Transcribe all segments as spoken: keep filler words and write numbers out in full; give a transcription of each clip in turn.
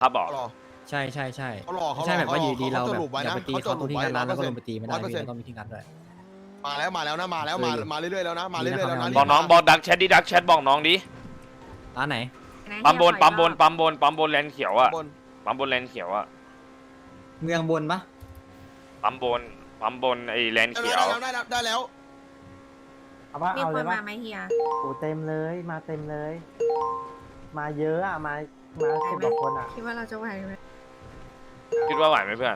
ครับบอกใช่ใช่ใช่เขาหลอกเขาใช่แบบว่าอยู่ดีเราสแบบรุปไว้อยากนะไปตีเขาตรงที่งานร้านแล้วก็ลงไปตีไม่ได้พี่แล้วก็มีที่งานด้วยมาแล้วมาแล้วนะมาแล้วมามาเรื่อยๆแล้วนะมาเรื่อยๆแล้วนะบอกน้องบอกดักแชทดิดักแชทบอกน้องดิร้านไหนปั๊มบนปั๊มบนปั๊มบนปั๊มบนแลนเขียวอะบนปั๊มบนแลนเขียวอะเมืองบนปะปั๊มบนปั๊มบนไอ้แลนได้เขียแล้ว วได้แล้วได้แล้วเอาว่ามีเอาคเลนยมาว่าไหมเฮียโอ้เต็มเลยมาเต็มเลย มาเยอะอ่ะมามาสิบกว่าคนอ่ะคิดว่าเราจะไหวไหมคิดว่าไหวไหมเพื่อน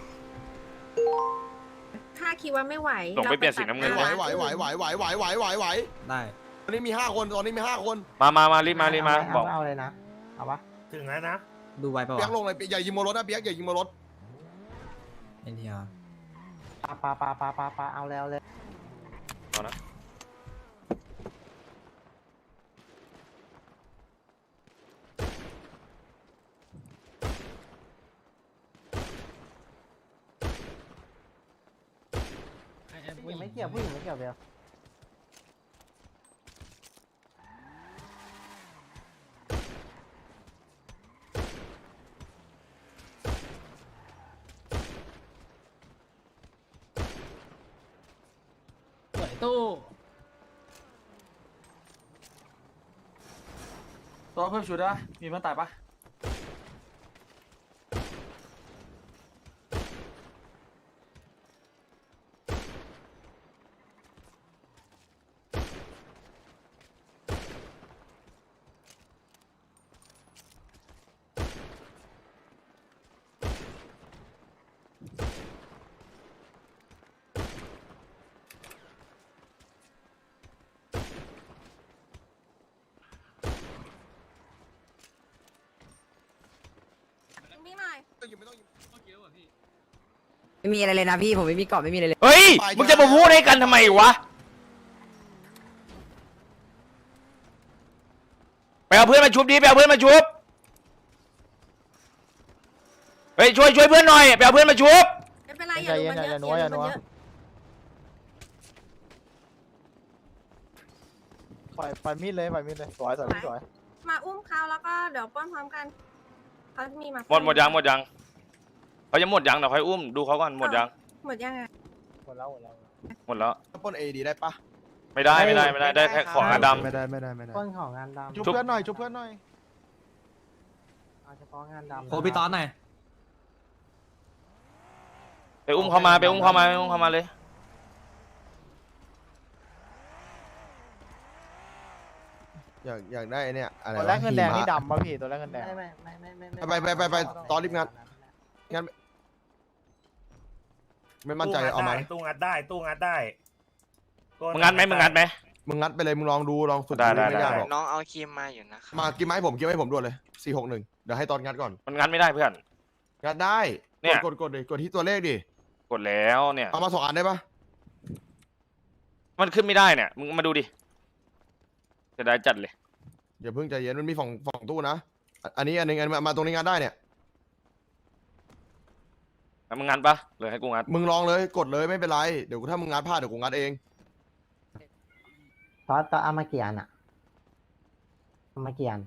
ถ้าคิดว่าไม่ไหวส่งไปเปลี่ยนสีน้ำเงินไหวไหวไหวไหวไหวไหวไหวไหวไหวได้ตอนนี้มีห้าคนตอนนี้มีห้าคนมามามารีบมารีบมาเบอกเอาเลยนะเอาปะถึงแล้วนะดูไว้ปะเปียกวะลงเลยอย่ายิงโมรถนะเปียกอย่ายิงโมรถเอ็นทีอาร์ปาปาปาปาปาปาเอาแล้วเลยเอานะผู้หญิงไม่เกี่ยวผู้หญิงไม่เกี่ยวเดียวสวยตู้ตัวเพิ่มชุดได้มีเพื่อนตายปะพี่หน่อยไม่ต้องยิงไม่มีอะไรเลยนะพี่ผมไม่มีเกาะไม่มีอะไรเลยเฮ้ยมึงจะมาพูดให้กันทำไมวะไปเอาเพื่อนมาชุบดิไปเอาเพื่อนมาชุบเฮ้ยช่วยช่วยเพื่อนหน่อยไปเอาเพื่อนมาชุบไม่เป็นไรอย่าดูมันเยอะอย่าดูมันเยอะปล่อยปล่อยมีดเลยปล่อยมีดเลยสวยสวยสวยมาอุ้มเขาแล้วก็เดี๋ยวป้อนพร้อมกันเขามีมาหมดหมดยังหมดยังเขาจะหมดยังเดี๋ยวค่อยอุ้มดูเขาก่อนหมดยังหมดยังไงหมดแล้วหมดแล้วหมดแล้วปล้นเอดีได้ปะไม่ได้ไม่ได้ไม่ได้ได้แค่ของอาดไม่ได้ไม่ได้ไม่ได้ต้นของงานดำชุบเพื่อนหน่อยชุบเพื่อนหน่อยเอาเฉพาะงานดำโคพี่ตอนหน่อยำไปอุ้มเขามาไปอุ้มเขามาไปอุ้มเขามาเลยอยากอยากได้เนี่ยอะไรตัวแรกเงินแดงนี่ดำป่ะพี่ตัวแรกเงินแดงไม่ไม่ไม่ไม่ไปไปไปไปตอนรีบงานงานไม่มั่นใจเอามาตู้งัดได้ตู้งัดได้มึงงัดไหมมึงงัดไหมมึงงัดไปเลยมึงลองดูลองสุดได้ได้ไม่ยากหรอกน้องเอาครีมมาอยู่นะครับมากินไม้ผมกินไม้ผมด่วนเลยสี่หกหนึ่งเดี๋ยวให้ตอนงัดก่อนมันงัดไม่ได้เพื่อนงัดได้เนี่ยกดกดดิกดที่ตัวเลขดิกดแล้วเนี่ยเอามาสองอันได้ปะมันขึ้นไม่ได้เนี่ยมึงมาดูดิจะได้จัดเลยอย่าเพิ่งใจเย็นมันมีฝั่งฝั่งตู้นะอ่ะอันนี้อันหนึงอันมามาตรงนี้งัดได้เนี่ยแล้วมึงงัดปะเลยให้กูงัดมึงลองเลยกดเลยไม่เป็นไรเดี๋ยวถ้ามึงงัดพลาดเดี๋ยวกูงัดเองตอนตอนเอามากี่อันอ่ะเอามากี่อัน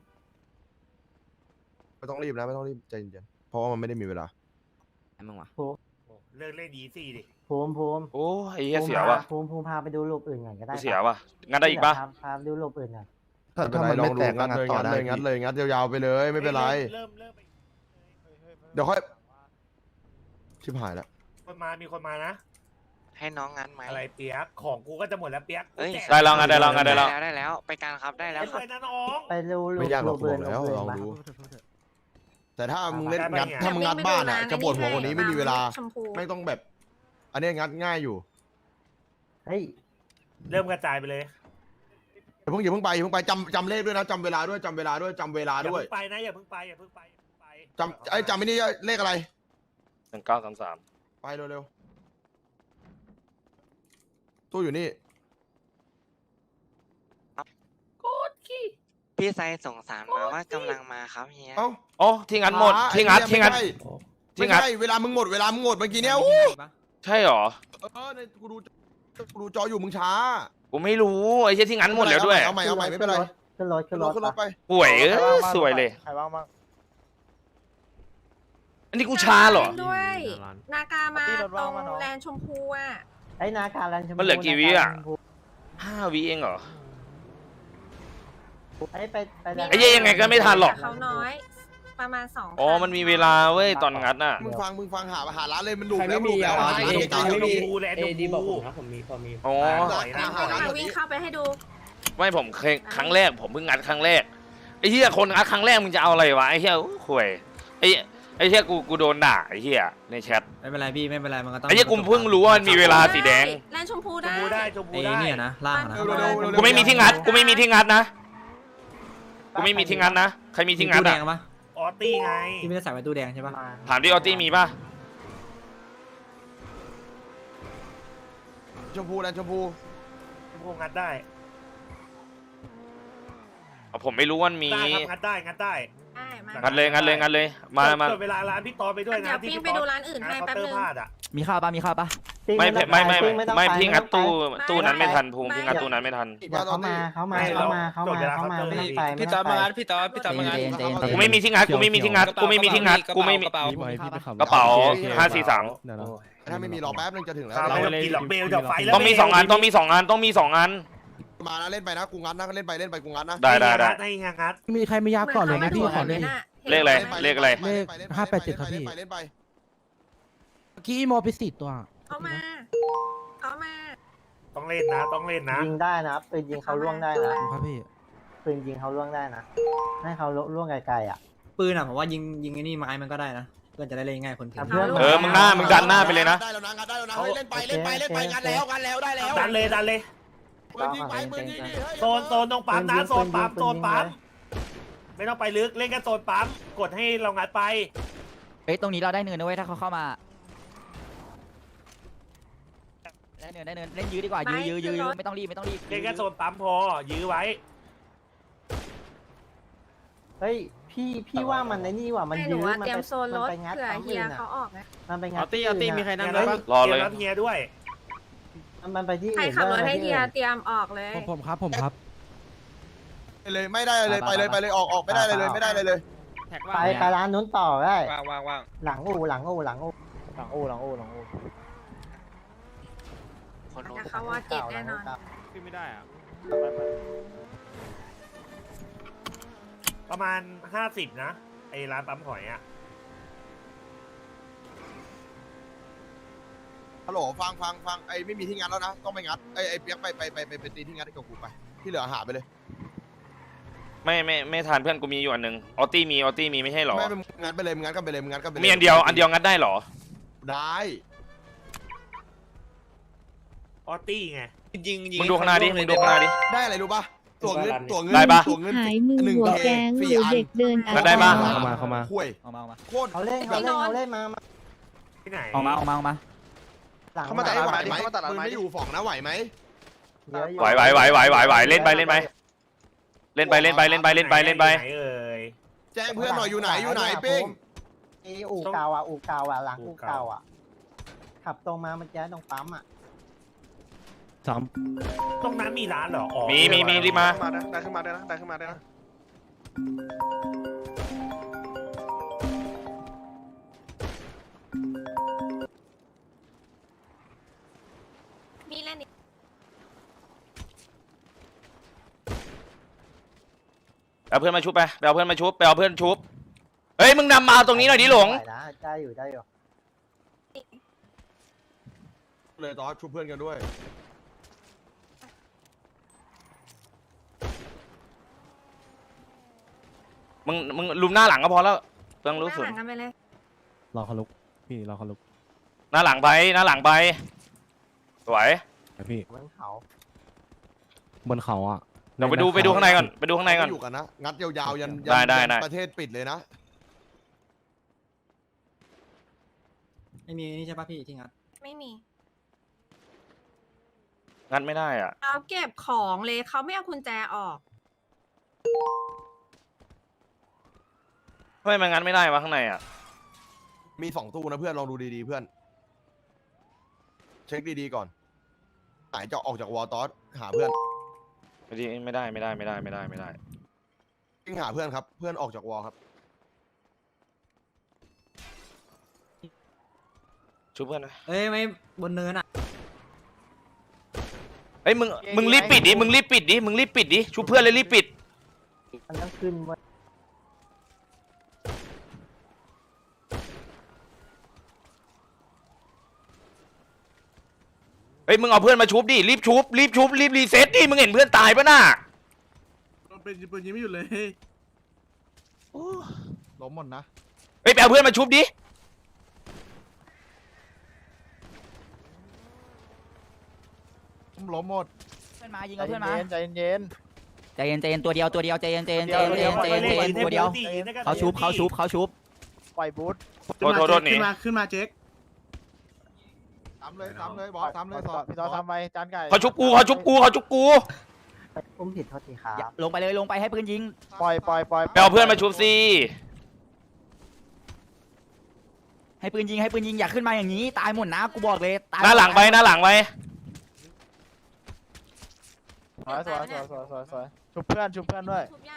ไม่ต้องรีบนะไม่ต้องรีบใจเย็นๆเพราะว่ามันไม่ได้มีเวลามึงวะเลิกเล่นดีสี่ดิภูมิภูมิโอ้ยไอ้เหี้ยเสียว่ะภูมิภูมิพาไปดูรูปอื่นก่อนก็ได้กูเสียว่ะงัดได้อีกปะพาพาไปดูรูปอื่นก่อนถ้าถ้ามันไม่แตกงัดเลยงัดเลยงัดเลยงัดยาวๆไปเลยไม่เป็นไรเริ่มเริ่มเดี๋ยวค่อยชิบหายแล้วคนมามีคนมานะให้น้องงั้นไหมอะไรเปียกของกูก็จะหมดแล้วเปียกเอ้ยได้แล้วงัดได้แล้วงัดได้แล้วได้แล้วไปการครับได้แล้วเล่นครับเลยนะน้องไปดูรูปไม่ยากหรอกรูปบออื่กนแล้วรูปอื่นลองปะดูแต่ถ้ามึงเล่นได้งัดปะเนี่ยถ้ามึงงัดบ้านอ่ะจะปวดหัวกว่านี้ไม่มีเวลาชมพูไม่ต้องแบบ อันนี้งัดง่ายอยู่เฮ้ยเริ่มกระจายไปเลยอย่าเพิ่งอย่าเพิ่งไปอย่าเพิ่งไปจำจำเลขด้วยนะจำเวลาด้วยจำเวลาด้วยจำเวลาอย่าด้วยเพิ่งไปนะอย่าเพิ่งไปอย่าเพิ่งไปอย่าเพิ่งไปจำไอ้ยจำไม่นี่เลขอะไรหนึ่งเก้าสามสามไปเร็วๆตู้อยู่นี่พี่ไซส่งสารมาว่ากำลังมาครับเฮียเอ้าโอ้ที่งัดหมดที่งัดที่งัดไม่ที่ใช่งัดไม่ใช่เวลามึงหมดเวลามึงหมดเมื่อกี้เนี้ยอู้ใช่หรอเออในกูดูกูดูจออยู่มึงช้ากูไม่รู้ไอ้เหี้ยที่งัดหมดแล้วด้วยเอาใหม่เอาใหม่ไม่เป็นไรขึ้นรถขึ้ขึ้นนรรถถขึ้นรถไปป่วยเออสวยเลยใครบ้างบ้างอันนี้กูชาเหรอล่นด้วย นากามาตรงแลนด์ชมพูอ่ะไอ้นาการันชมพูมันเหลือกี่วิอะนาการันชมพูห้าวิเองเหรอไอ้ไปไปไอ้เหี้ยยังไงก็ไม่ทันหรอกเขาน้อย ประมาณสองอ๋อ มันมีเวลาเว้ยตอนงัดน่ะมึงฟังมึงฟังหาหาร้านเลยมันดุใครแล้วไม่มีดุแล้วอ่ะหาเอร้านดีเก่าไม่ๆมีชมพูแลนด์เอชมดีบอกผพูมครับผมมีพอมีอ๋อหาหาร้านค่ะเดี๋ยววิ่งนี้เข้าไปให้ดูไม่ผมเคยครั้งแรกผมเพิ่งงัดครั้งแรกไอ้เหี้ยคนงัดครั้งแรกมึงจะเอาอะไรวะไอ้เหี้ยข่วยไอ้ไอ้เหี้ยกูกูโดนด่าไอ้เหี้ยในแชทไม่เป็นไรพี่ไม่เป็นไรมันก็ต้องไอ้เหี้ยกูเพิ่งรู้ว่ามันมีเวลาสีแดงแลนด์ชมพูชมได้พูได้ชมพูไอ้ได้เนี่ยนะล่างอะนะเร็วเร็วเร็วเร็วกูไม่มีที่งัดกูไม่มีที่งัดนะกูไม่มีที่งัดนะใครมีที่งัดตู้แดอ่ะงปะออตตี้ไงที่ไม่ได้ใส่ไว้ตู้แดงใช่ปะมาถามดิออตตี้มีป่ะชมพูแลนด์ชมพูชมพูงัดได้อ๋อผมไม่รู้ว่ามันมีได้ครับงัดได้งัดได้ได้มางัดเลยงัดเลยงัดเลยมามาเปิดเวลาร้านพี่ตอนไปด้วยเดี๋นะยวที่ปิ้งพี่ไปตดูอนร้านอื่นให้เคาแป๊บน์เตอนึร์งพลาดอ่ะมีข้าวปะมีข้าวปะปิ้งไม่ต้องไม่ไม่ปไม่ปิ้งต้องไม่ปพี่งัดตู้ไม่ตู้นั้นไม่ทันภูมิไม่พี่งัดตู้นั้นไม่ทันเดี๋ยวเขามาเขามาเขามาเขามาเขามาไม่ต้องไปพี่ตอนมางัดพี่ตอนพี่ตอนมางัดเจนเจนเจนกูไม่มีที่งัดกูไม่มีที่งัดกูไม่มีที่งัดกูไม่มีกระเป๋ากระเป๋าห้าสี่สามถ้าไม่มีรอแป๊บนึงจะถึงแล้วข้าวไม่ต้องกินหรอกเบลจะไฟแล้วต้องมีสองอันต้องมีสองอันต้องมีสองอันมานะเล่นไปนะกูงัดนะเล่นไปเล่นไปกูงัดนะได้ได้ได้ให้งัดมีใครไม่ยากก่อนเลยนะพี่ขอเลยเลขอะไรเลขอะไรเล่นไปเล่นไปห้าแปดเจ็ดครับพี่เล่นไปเล่นไปเมื่อกี้อีโมไปสิตัวเขามาเขามาต้องเล่นนะต้องเล่นนะยิงได้นะปืนยิงเขาล่วงได้นะครับพี่ปืนยิงเขาล่วงได้นะให้เขาล่วงไกลๆอ่ะปืนอะผมว่ายิงยิงไอ้นี่ไม้มันก็ได้นะเพื่อนจะได้เล่นง่ายคนถึงเพื่อนเออมึงหน้ามึงดันหน้าไปเลยนะได้แล้วนะงัดได้แล้วนะเฮ้ยเล่นไปเล่นไปเล่นไปงัดแล้วงัดแล้วได้แล้วดันเลยดันเลยปืนยิงไปปืนยิงดิเฮ้ยโซนโซนตรงปั๊มนะโซนปั๊มโซนปั๊มไม่ต้องไปลึกเล่นแค่โซนปั๊มกดให้เรางัดไปเฮ้ยตรงนี้เราได้เนินนะเว้ยถ้าเขาเข้ามาได้เนินได้เนินเล่นยื้อดีกว่ายื้อยื้อยื้อยื้อไม่ต้องรีบไม่ต้องรีบเล่นแค่โซนปั๊มพอยื้อไว้เฮ้ยพี่พี่ว่ามันในนี่ว่ะมันให้หนูยื้อว่ามันเตรียมไปโซนรมันถไปงัดเผื่อปั๊มเฮีอื่ยนเขาอ่ะออกนะมันไปงัดเอาตี้เอาตี้มีใครนั่งด้วยปะรอเลยเฮียด้วยมันไปที่ใครอื่นขับรถได้นะให้พี่เฮียเตรียมออกเลยผมผมครับผมครับไปเลยไม่ได้เลยไปเลยไปเลยออกออกไม่ได้เลยเลยไม่ได้เลยเลยแท็กไปว่างไปร้านนู้นต่อได้ว่างว่างว่างหลังอู่หลังอู่หลังอู่หลังอู่หลังอู่หลังอู่แต่เขาว่าเจ็ดแน่นอนขึ้นไม่ได้อ่ะประมาณห้าสิบนะไอ้ร้านปั๊มหอยอ่ะฮัลโหลฟังฟังฟังไอ้ไม่มีที่งัดแล้วนะต้องไปงัดไอ้ไอ้เปียกไปไปไปไปไปตีที่งัดให้กับกูไปที่เหลือหาไปเลยไม่ไม่ไม่ทานเพื่อนกูมีอยู่อันหนึ่งออตตี้มีออตตี้มีไม่ใช่หรอไม่เป็นงัดไปเลยงัดกันไปเลยงัดกันไปเลยมีอันเดียวอันเดียวงัดได้หรอได้ออตตี้ไงยิงยิงมึงดูข้างหน้าดิมึงดูข้างหน้าดิได้อะไรรู้ป่ะตัวเงินตัวเงินได้ปะตัวเงินหายมือหนึ่งหัวเคแก๊งฟรีหรืออันเด็กเดินก็ได้ปะเข้ามาเข้ามาห่วยออกมาออกมาโคตรเขาเล่นเขาเล่นเขาเล่นมามาที่ไหนออกมาออกมาออกมาหลังเขามาตัดไหวไหมปืนไม่อยู่ฝั่งนะไหวไหมเยอะอยู่ไหวไหวไหวไหวไหวไหวเล่นไปเล่นไปเล่นไปเล่นไปเล่นไปเล่นไปเล่นไปไหนเอ่ยแจ้งเพื่อนหน่อยอยู่ไหนอยู่ไหนปิ้งไอ้อู่เก่าอ่ะอู่เก่าอ่ะหลังอู่เก่าอ่ะขับตรงมาเมื่อกี้ตรงปั๊มอ่ะสามตรงนั้นมีร้านเหรออ๋อมีมีมีรีบมามาได้ได้ขึ้นมาได้นะได้ขึ้นมาได้นะมีเล่นอีกเอาเพื่อนมาชุบไปไปเอาเพื่อนมาชุบไปเอาเพื่อนชุบเฮ้ยมึงนำมาเอาตรงนี้หน่อยดิหลงได้นะได้อยู่ได้อยู่เลยตอนชุบเพื่อนกันด้วยมึงมึงลุมหน้าหลังก็พอแล้วเรื่องรู้หสึกน้าหลังกันไปเลยรอเขาลุกพี่รอเขาลุกหน้าหลังไปหน้าหลังไปสวยไปพี่บนเขาบนเขาอ่ะเดี๋ยวไปดูไปดูข้างในก่อนไปดูข้างในก่อนอยู่กันนะงัดยาวๆยันได้ได้ได้ประเทศปิดเลยนะไม่มีนี่ใช่ปะพี่ที่งัดไม่มีงัดไม่ได้อ่ะเขาเก็บของเลยเขาไม่เอากุญแจออกทำไมมันงัดไม่ได้วะข้างในอ่ะมีสองตู้นะเพื่อนลองดูดีๆเพื่อน เช็คดีๆก่อนไหนจะออกจากวอลตอสหาเพื่อนไม่ได้ไม่ได้ไม่ได้ไม่ได้ไม่ได้ไม่ได้วิ่งหาเพื่อนครับเพื่อนออกจากวอลครับชุบเพื่อนหน่อยเอ้ยไม่บนเนินอ่ะเฮ้ยมึงมึงรีบปิดดิมึงรีบปิดดิมึงรีบปิดดิชุบเพื่อนเลยรีบปิดมันต้องขึ้นไว้เฮ้ยมึงเอาเพื่อนมาชุบดิรีบชุบรีบชุบรีบรีเซ็ตดิมึงเห็นเพื่อนตายปะน่ะเป็นปืนยิงไม่หยุดเลยล้มหมดนะเฮ้ยไปเอาเพื่อนมาชุบดิล้มหมดเพื่อนมายิงเอาเพื่อนมาใจเย็นใจเย็นใจเย็นตัวเดียวตัวเดียวใจเย็นใจเย็นใจเย็นใจเย็นใจเย็นตัวเดียวเขาชุบเขาชุบเขาชุบปล่อยบูทโทษโทษโทษหนีขึ้นมาขึ้นมาเจ๊กซ้ำเลยซ้ำเลยบอสซ้ำเลยสอดพี่ต่อซ้ำไปจานไก่เขาชุบกูเขาชุบกูเขาชุบกูอุ้มผิดโทษทีครับลงไปเลยลงไปให้ปืนยิงปล่อยปล่อยปล่อยไปเอาเพื่อนมาชุบสิให้ปืนยิงให้ปืนยิงอย่าขึ้นมาอย่างนี้ตายหมดนะกูบอกเลยตายหน้าหลังไปหน้าหลังไปสวยสวยสวยสวยสวยสวยชุบเพื่อนชุบเพื่อนด้วยทุบยาก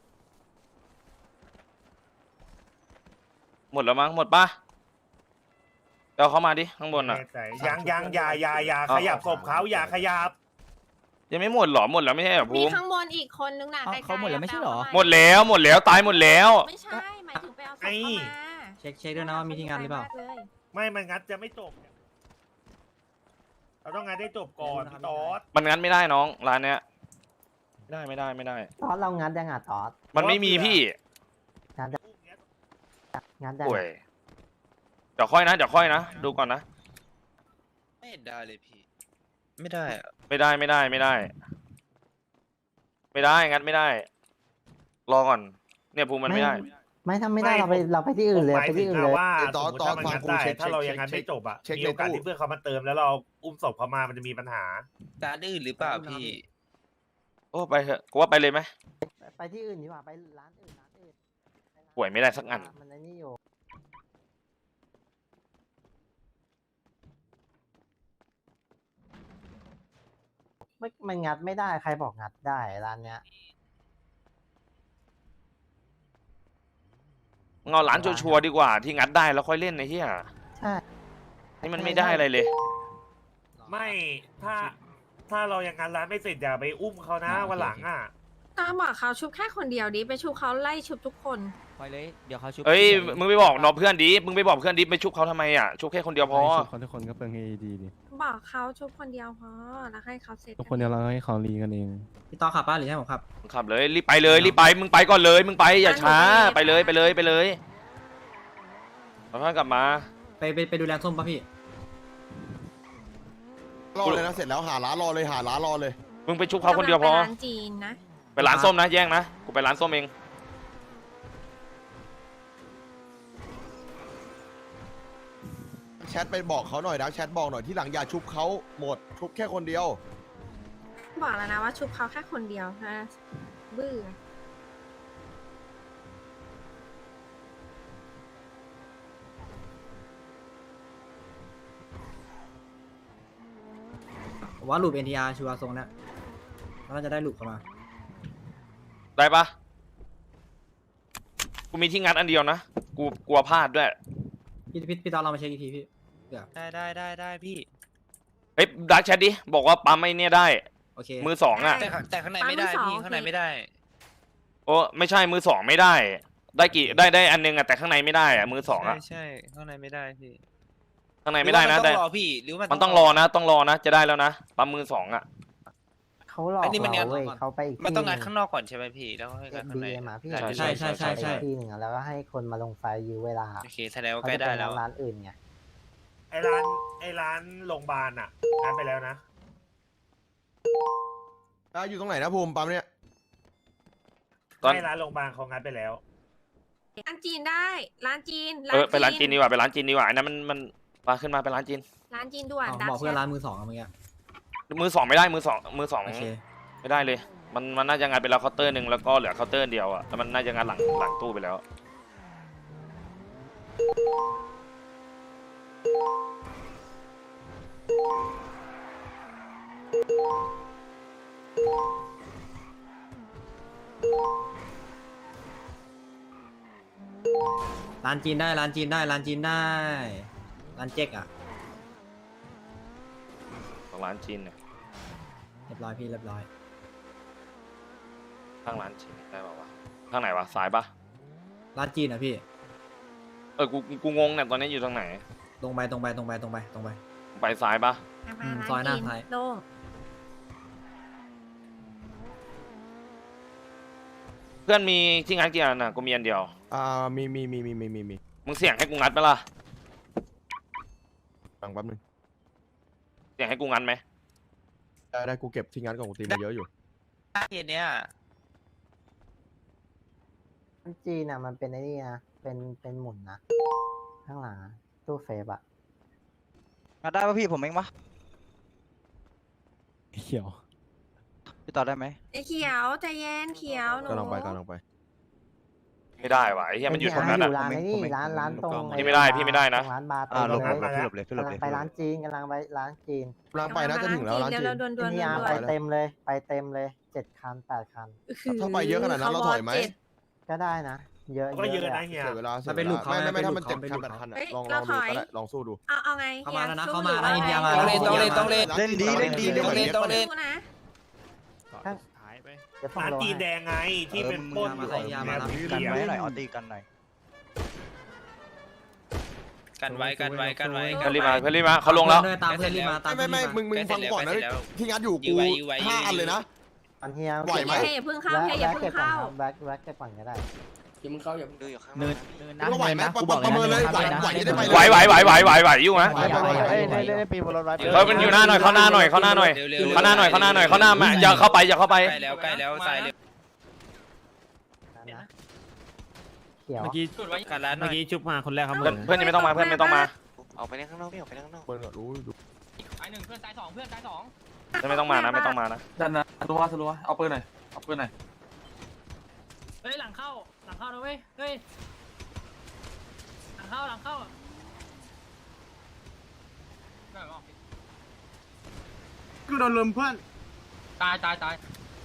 หมดแล้วมั้งหมดปะเอาเขามาดิข้างบนอ่ะยังยังอย่าอย่าอย่าขยับศพเขาอย่าขยับยังไม่หมดหรอหมดแล้วไม่ใช่เหรอมีภูมิข้างบนอีกคนนึงน่ะไกลๆเขาหมดแล้วไม่ใช่หรอหมดแล้วหมดแล้วตายหมดแล้วไม่ใช่หมายถึงไปเอาศพเข้ามาเช็คเช็คด้วยนะว่ามีที่งานหรือเปล่าไกลมกยไม่มันงัดจะไม่จบเราต้องงัดได้จบก่อนพี่ตอดมันงั้นไม่ได้น้องร้านเนี้ยไม่ได้ไม่ได้ไม่ได้ตอสเรางัดยังอ่ะตอสมันไม่มีพี่งัดงัดยังป่วยเดี๋ยวค่อยนะเดี๋ยวค่อยนะดูก่อนนะไม่ได้เลยพี่ ไม่ได้อะไม่ได้ไม่ได้ไม่ได้ ไม่ได้งั้นไม่ได้ รอก่อน เนี่ยภูมิมันไม่ได้ไม่ทำไม่ได้เราไปเราไปที่อื่นเลยหมายไปถึที่งอื่นเลยว่าตอสนมมติตอนถ้ามันฟังงัดกูได้เช็คถ้าเราเช็คยังงัดเช็ไม่คจบอ่ะเช็คมีโอกาสในตู้ที่เพื่อนเขามาเติมแล้วเราอุ้มศพเขามามันจะมีปัญหาจานอื่นหรือเปล่าพี่โอ้ไปเถอะกูว่าไปเลยไหมไปที่อื่นดีกว่าไปร้านอื่นร้านอื่นป่วยไม่ได้สักอันมันไอ้นี่อยู่ ไม่มันงัดไม่ได้ใครบอกงัดได้ร้านเนี้ยเงาร้านชัวร์ๆดีกว่าที่งัดได้แล้วค่อยเล่นไอ้เหี้ยใช่นี่มันไม่ได้อะไรเลยไม่ถ้าถ้าเรายังงานร้านไม่เสร็จอย่าไปอุ้มเขานะวันหลังอ่ะตามบอกเขาชุบแค่คนเดียวดิไปชุบเขาไล่ชุบทุกคนไปเลยเดี๋ยวเขาชุบเอ้ยมึงไปบอกน้องเพื่อนดิมึงไปบอกเพื่อนดิไปชุบเขาทำไมอ่ะชุบแค่คนเดียวพอให้ชุบเขาทุกคนก็เปลืองเอดีดิบอกเขาชุบคนเดียวพอแล้วให้เขาเสร็จทุกคนเดี๋ยวเราให้เขารีกันเองพี่ต่อขับป้าหรือให้ผมขับขับเลยรีบไปเลยรีบไปมึงไปก่อนเลย มึงไปอย่าช้าไปเลยไปเลยไปเลยแล้วค่อยกลับมาไปไปไปดูแลส้มป่ะพี่รอเลยนะเสร็จแล้วหาร้านรอเลยหาร้านรอเลยมึงไปชุบเขาคนเดียวพอไปร้านจีนนะไปร้านส้มนะแย่งนะกูไปร้านส้มเองแชทไปบอกเขาหน่อยนะแชทบอกหน่อยที่หลังอย่าชุบเขาหมดชุบแค่คนเดียวบอกแล้วนะว่าชุบเขาแค่คนเดียวนะบื้อผมว่าลูป เอ็น ที อาร์ ชัวร์ทรงเนี้ยแล้วเราจะได้ลูปเข้ามาได้ปะกูมีที่งัดอันเดียวนะกูกลัวพลาดด้วยพี่พี่พี่ต่อเรามาเช็คอีกทีพี่เดี๋ยวได้ได้ได้ได้พี่เฮ้ยดักแชทดิบอกว่าปั๊มไอ้เนี่ยได้โอเคมือสองอ่ะแต่ข้างแต่ข้างในไม่ได้พี่ข้างในไม่ได้โอ้ไม่ใช่มือสองไม่ได้ ได้กี่ได้ได้อันนึงอ่ะแต่ข้างในไม่ได้อ่ะมือสองอ่ะใช่ใช่ข้างในไม่ได้พี่ข้างในไม่ได้นะหรือได้ว่ามันต้องรอพี่หรือว่ามันต้องรอนะ ต้องรอนะ จะได้แล้วนะปั๊มมือสองอ่ะเขาหลอกอันนี้มันงัเราดเว้ยเขาไปอีกมันต้องงัดที่หข้างนอกก่อนใช่ไหมพี่แล้วค่อยงัดข้างในบีเอ็มอะพี่ใช่ใช่ใช่ใช่ไปอีกที่หนึ่งอะแล้วก็ให้คนมาลงไฟยื้อเวลาโอเคแสดงว่าเขาใกล้จะได้ไปแล้วร้านอื่นไงไอ้ร้านไอ้ร้านโรงพยาบาลอ่ะงัดไปแล้วนะอ่ะอยู่ตรงไหนนะภูมิปั๊มเนี่ยตอนให้ร้านโรงพยาบาลเขางัดไปแล้วร้านจีนได้ร้านจีนเออไปร้านจีนดีกว่าไปร้านจีนดีกว่าอันนั้นมันมันมาขึ้นมาไปร้านจีนร้านจีนด่วนอ๋อดักบอกเพื่อนแชทร้านมือสองอะเมื่อกี้มือสองไม่ได้มือสองมือสองโอเคไม่ได้เลย มันมันน่าจะงัดไปแล้วเคาน์เตอร์หนึ่งแล้วก็เหลือเคาน์เตอร์เดียวอ่ะแล้วมันน่าจะงัดหลังหลังตู้ไปแล้วร้านจีนได้ร้านจีนได้ร้านจีนได้ร้านเจ๊กอ่ะของร้านจีนเนี่ยเรียบร้อยพี่เรียบร้อยข้างร้านจีนได้ป่าวะข้างไหนวะซ้ายปะร้านจีนนะพี่เออกูกูงงเนี่ยตอนนี้อยู่ตรงไหนตรงไปตรงไปตรงไปตรงไปตรงไปไปซ้ายปะไปอืมร้านซอยหน้าจีนซ้ายโล่งเพื่อนมีที่งัดกี่อันน่ะกูมีอันเดียวอ่ามีมีมีมีมีมีมีมึงเสี่ยงให้กูงัดไหมล่ะฟังแป๊บนึงเสี่ยงให้กูงัดไหมได้ได้กูเก็บที่งานของกูตีมาเยอะอยู่เย็นเนี้ยจีนอ่ะมันเป็นไอ้นี่นะเป็นเป็นหมุนนะข้างหลังอะตู้เซฟอ่ะมาได้ป่ะพี่ผมเองปะเขียวพี่ต่อได้ไหมไอ้เขียวใจเย็นเขียวหนูกำลังไปกำลังไปไม่ได้วะไอ้เหี้ยมันอยู่ตรงนั้นออ่ะยู่ร้านไอ้นี่ร้านร้านตรงพี่ไม่ได้พี่ไม่ได้นะตรงร้านบาร์อ่าหลบตรงหลบเลยหลบเลยพี่หลกำบลัเลงยไปร้านจีนกำลังไปร้านจีนกำลังไปนะจะถึงแล้วร้านจีนเดี๋ยวเราด่วนด่วนพี่อาร์ด่ไปวนเต็มเลยไปเต็มเลยเจ็ดคันแปดคันถ้าไปเยอะขนาดนั้นเราถอยไหมก็ได้นะ เยอะก็เยอะลนะเฮียเสียเวลามันเป็นลูกเขาไม่ไม่ไม่เป็นถ้าลูมันกเจ็เขาดเป็นคัลูนกแปดเขาคันอะเฮ้ยลองลเราองถดูอยก็ได้ลองสู้ดูเอาเอาไงเข้ามาแล้วนะสู้เข้ามาหนะรือินเดียว่มาไงแล้วต้องเล่นต้องเล่นเล่นดีเล่นดีต้องเล่นต้องเล่นสู้นะเดี๋ยวฟังร้านโลจีนแดให้งไงที่เป็นปล้นอยู่ยามากันไว้หน่อยเอาตีกันหน่อยกันไว้กันไว้กันไว้เพื่อนรีบมาเพื่อนรีบมาเขาลงแล้วตามเพื่อนรีบมาตามไม่เพื่อนไม่รีบไม่มามึงมึงฟังก่อนนะที่งานอยู่กูห้าอันเลยนะอันเฮียไหวไหมเฮ้ยอย่าเพิ่งเข้าเฮ้ยอย่าแวะเพิ่เก็งบก่อนเข้าครับแบ็คแบ็คเก็บก่อนก็ได้อย่ามึงเข้าอย่ามึงดูอยู่ข้างเนินเนินนะก็ไหวไหมเนินนะกูบอกประเมินเลยนะไหวไหวจะได้ไปไหวไหวไหวไหวไหวไหวอยู่นะไหวไหวไหวไหวเล่นปีบนรถไว้เฮ้ยมันอยู่หน้าหน่อยเข้าหน้าหน่อยเข้าหน้าหน่อยเร็วๆเข้าหน้าหน่อยเข้าหน้าหน่อยเข้าหน้ามาอย่าเข้าไปอย่าเข้าไปใกล้แล้วใกล้แล้วซ้ายเร็วนะเขียวเมื่อกี้กันร้านหน่เมื่ออย กี้จุ๊บมาคนแรกครับเพื่อนเพื่อนยังไม่ต้องมาเพื่อนไม่ต้องมาออกไปเล่นข้างนอกพี่ออกไปเล่นข้างนอกเปิดก่อนรู้ดูตายหนึ่งเพื่อนตายสองเพื่อนตายสองเพื่อนไม่ต้องมานะไม่ต้องมานะดันนะสลัวสลัวเอาปืนหน่อยเอาปืนหน่อยเฮ้ยหลังเข้าหลังเข้านะเว้ยเฮ้ยหลังเข้าหลังเข้ากูโดนลุมเพื่อนตายตายตาย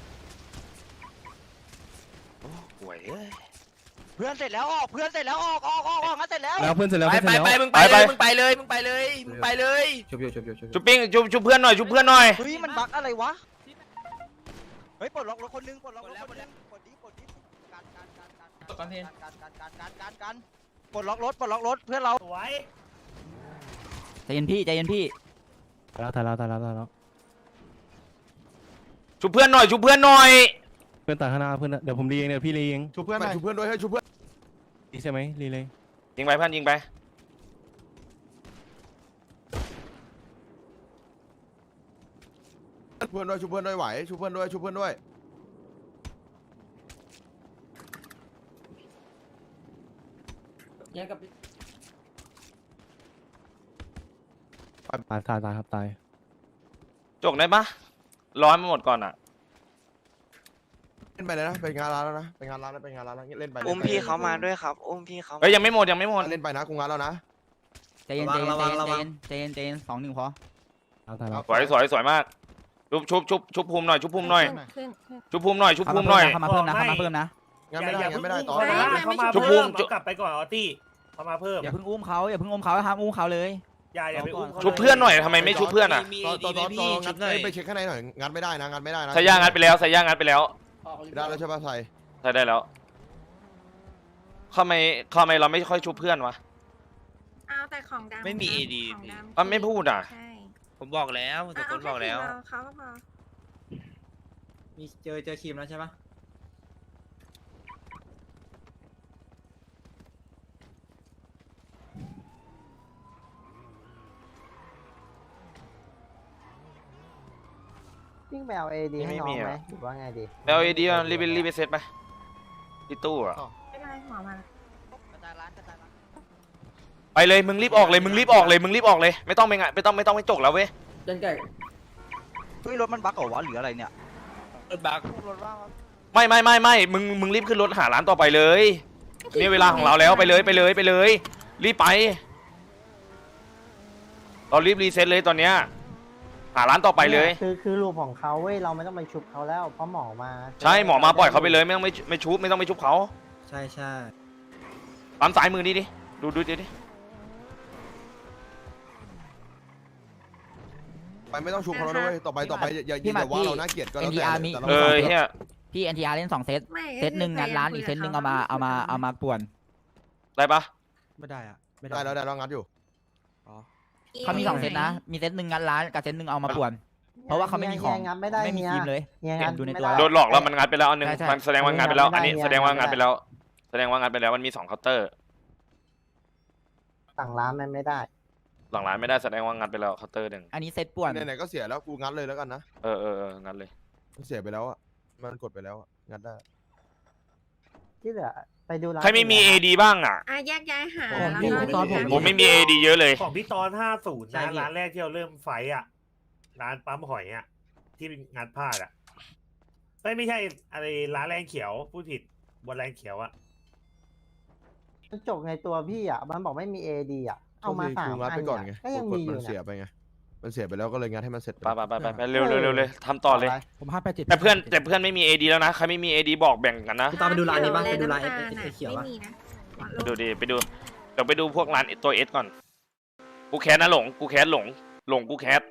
ห่วยเอ้ยเพื่อนเสร็จแล้วออกเพื่อนเสร็จแล้วออกออกออกออกงั้นเสร็จแล้วแล้วเพื่อนเสร็จแล้วไปเพื่อนไปเสร็จไปแล้วมึงไปเลยมึงไปเลยมึงไปเลยมึงไปเลยชุบอยู่ชุบอยู่ชุบอยู่ชุบปิ้งชุบชุบเพื่อนหน่อยชุบเพื่อนหน่อยเฮ้ยมันบั๊กอะไรวะเฮ้ยปลดล็อกรถคนนึงปลดล็อกรถคนนึงปลดดิปลดดิการการการการการการการการการการปลดล็อกรถปลดล็อกรถเพื่อนเราสวยใจเย็นพี่ใจเย็นพี่ตายแล้วตายแล้วตายแล้วตายแล้วชุบเพื่อนหน่อยชุบเพื่อนหน่อยเพื่อนตายข้างหน้าเพื่อนเดี๋ยวผมรีเองเดี๋ยวพี่รีเองชูเพื่อนหน่อยชูเพื่อนด้วยให้ชูเพื่อนรีใช่ไหมรีเลยยิงไปเพื่อนยิงไปเพื่อนด้วยชูเพื่อนด้วยไหวชูเพื่อนด้วยชูเพื่อนด้วยตายตายตายครับตายจกได้ปะร้อยมาหมดก่อนอ่ะเล่นไปเลยนะเป็นงานร้านแล้วนะเป็นงานร้านแล้วเป็นงานร้านแล้วเล่นไปอุ้มพี่เขามาด้วยครับอุ้มพี่เขาเฮ้ยยังไม่หมดยังไม่หมดเล่นไปนะกูงานแล้วนะใจเย็นใจเย็นใจเย็นใจเย็นใจเย็นใจเย็นสองหนึ่งพอตายตายแล้วสวยสวยสวยมากชุบชุบชุบชุบภูมิหน่อยชุบภูมิหน่อยขึ้นขึ้นชุบภูมิหน่อยชุบภูมิหน่อยเข้ามาเพิ่มนะเข้ามาเพิ่มนะงานไม่ได้งานไม่ได้ต่ออย่าอย่าเพิ่งไม่เขามาชุบเพิ่มชุบเอากลับไปก่อนออตี้เขามาเพิ่มอย่าเพิ่งอุ้มเขาอย่าเพิ่งอุ้มเขาห้ามอุ้มเขาเลยอย่าอย่าไปอุ้มขาชุบเพื่อนหน่อยทำไมไม่ชุบเพื่อนอ่ะมีต่อดีต่อไหมต่อพี่งัชุดบหน่อยไปเช็คข้างในหน่อยงัดไม่ได้นะงัดไม่ได้นะใส่ย่างงัดไปแล้วใส่ย่างงัดไปแล้วได้แล้วใช่ป่ะใส่ใส่ได้แล้วทำไมทำไมเราไม่ค่อยชุบเพื่อนวะเอาแต่ของดำไม่มีเอดีของดำอ่ะไม่พูดอ่ะใช่ผมบอกแล้วทุกคนบอกแล้วเาค่เขาก็พอมีเจอเจอครีมแล้วใช่ปะวิ่งไปเอาเอดีให้น้องไหมหรือว่าไงดีแล้วไอ้ดีรีบรีบไปเซ็ตไปที่ตู้อ่ะไม่เป็นไรหมอมาไปเลยมึงรีบออกเลยมึงรีบออกเลยมึงรีบออกเลยไม่ต้องไปงะไม่ต้องไม่ต้องไปจกแล้วเว้ยเฮ้ยรถมันบั๊กเหรอวะหรืออะไรเนี่ยรถบักไม่ไม่ไม่ไม่มึงมึงรีบขึ้นรถหาร้านต่อไปเลยนี่เวลาของเราแล้วไปเลยไปเลยไปเลย รีบไปเรารีบรีเซ็ตเลยตอนเนี้ยหาร้านต่อไปเลยคือคือรูปของเขาเว้ยเราไม่ต้องไปชุบเขาแล้วเพราะหมอมาใช่หมอมาปล่อยเขาไปเลยไม่ต้องไม่ไม่ชุบไม่ต้องไปชุบเขาใช่ใช่ปั๊มสายมือนี่ดิดูดูดิดิไปไม่ต้องชุบเขาแล้วด้วยต่อไปต่อไปอย่าอย่าอย่าว่าเราน่าเกลียดก็แล้วแต่แต่เราเออเฮียพี่ เอ็น ที อาร์ เล่นสองเซตไม่เซตหนึ่งงัดร้านอีกเซตหนึ่งเอามาเอามาเอามาป่วนได้ปะไม่ได้อะไม่ได้แล้วได้แล้วงัดอยู่เขามีสองเซตนะ มีเซตหนึ่งงัดร้านกับเซตหนึ่งเอามาป่วน เพราะว่าเขาไม่มีของงัดไม่ได้ไม่มีเฮียทีมเลยเฮียเห็งัดนดูในไม่ตัวได้โดนหลอกแล้วมันงัดไปแล้วอันหนึงใช่ใช่มันแสดงว่างัดไปแล้ว อันนี้ไม่ได้แสดงว่างัดไม่ไปได้แล้ว แสดงว่างัดไปแล้วมันมีสองเคาน์เตอร์สั่งร้านมันไม่ได้หลังร้านไม่ได้แสดงว่างัดไปแล้วเคาน์เตอร์หนึ่งอันนี้เซตป่วนไหนๆก็เสียแล้วกูงัดเลยแล้วกันนะเออเออเอองัดเลยมันเสียไปแล้วอ่ะมันกดไปแล้วอะงัดได้ที่เหลือไปดูร้านใครไม่มี เอ ดี บ้างอ่ะอ่ะแยกย้ายหาผมแล้วมีก็ตอนผมผมไม่มี เอ ดี เยอะเลยของพี่ตอนห้าศูนย์ใช่นะพี่ร้านแรกที่เราเริ่มไฟท์อ่ะ ร้านปั๊มหอยอ่ะ ที่งัดพลาดอ่ะไม่ไม่ใช่อะไรร้านแรงเขียวพูดผิดบนแรงเขียวอ่ะมันจบในตัวพี่อ่ะมันบอกไม่มีเอดีอ่ะเอามาก็สาคืมงัดอัไปนก่อนเนี่ยไงก็ยังกมีดอยู่มันเสียเนี่ยไปไงมันเสียไปแล้วก็เลยงัดให้มันเสร็จไปไปไปไปไปเร็วเร็วเร็วเลยทำต่อเลยผมห้าแปดเจ็ดแต่เพื่อนแต่เพื่อนไม่มี เอ ดี แล้วนะ ใครไม่มี เอ ดี บอกแบ่งกันนะกูตามไปดูร้านนี้ปะไปดูร้านแลไอ้น้ำตาลไอ้เขียวไม่ปะมีนะไปดูดิไปดูเดี๋ยวไปดูพวกร้านตัวเอสก่อน กูแคสนะหลง กูแคสหลง หลงกูแคส